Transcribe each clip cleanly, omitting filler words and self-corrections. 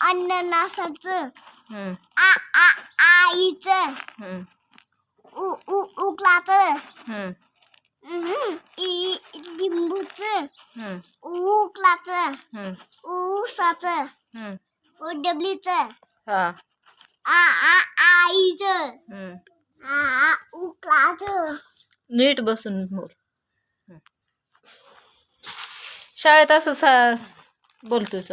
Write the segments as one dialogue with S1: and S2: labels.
S1: अननसाचं आ आ आईचं उ उ उकलाचं इ लिंबूचं उकलाचं ऊसाचं डबलीचं आ आ आईचं आ उकलाचं.
S2: नीट बसून बोल. शाळेत असं बोलतोस.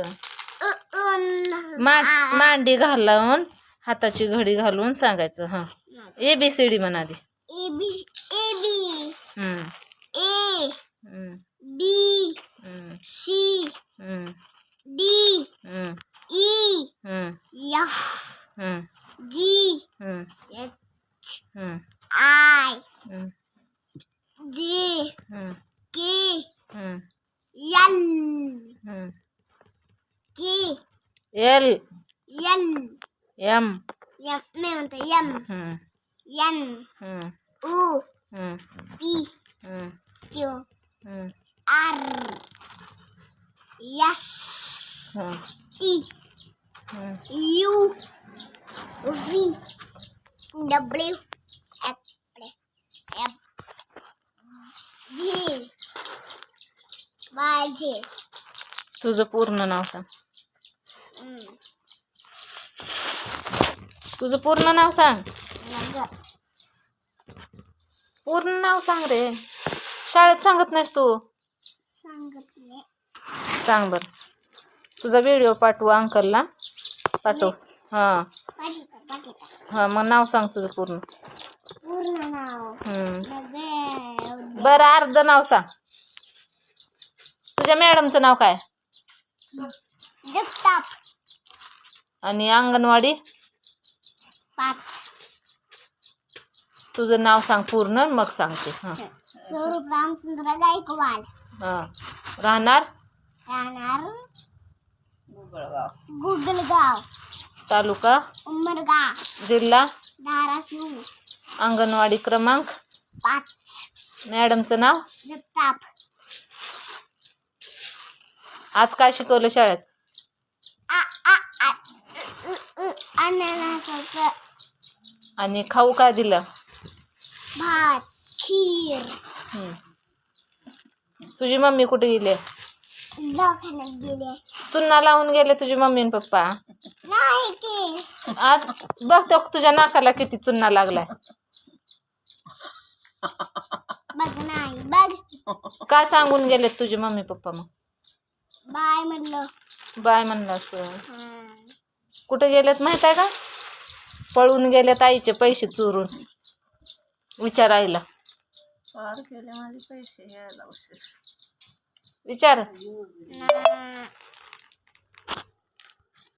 S2: मांडी घालून हाताची घडी घालून सांगायचं. हा ABCD म्हणा आधी.
S1: A B A B C D E F G H I J K L
S2: M
S1: मी म्हणते N O P Q R S T U V W X Z Y Z.
S2: तुझं पूर्ण नाव सांग. तुझं पूर्ण नाव सांग. पूर्ण नाव सांग रे. शाळेत सांगत नाहीस तू. सांग बर. तुझा व्हिडिओ पाठवू अंकलला. पाठव. हा मग नाव सांग तुझं पूर्ण. बरं अर्ध नाव सांग. तुझ्या मॅडमचं नाव काय?
S1: जगताप.
S2: आणि अंगणवाडी
S1: 5.
S2: तुझं नाव सांग पूर्ण मग सांगते.
S1: स्वरूप रामचंद्र गायकवाड.
S2: राहणार
S1: गुगलगाव
S2: तालुका
S1: उमरगा
S2: जिल्हा
S1: धाराशिव.
S2: अंगणवाडी क्रमांक
S1: 5.
S2: मॅडमचं नाव
S1: जगताप.
S2: आज काय शिकवलं शाळेत?
S1: अननसाचं.
S2: आणि खाऊ काय दिलं?
S1: भात खीर.
S2: तुझी मम्मी कुठे गेली?
S1: दवाखान्यात गेले.
S2: चुन्ना लावून गेले तुझी मम्मी आणि पप्पा?
S1: नाही की.
S2: आज बघतो तुझ्या नाकाला किती चुन्ना लागलाय.
S1: बघ नाही बघ.
S2: काय सांगून गेले तुझे मम्मी पप्पा? मग
S1: बाय म्हणलं.
S2: बाय म्हणलं असं. कुठे गेलेत माहित आहे का? पळून गेलेत आईचे पैसे चोरून. विचारायला विचार.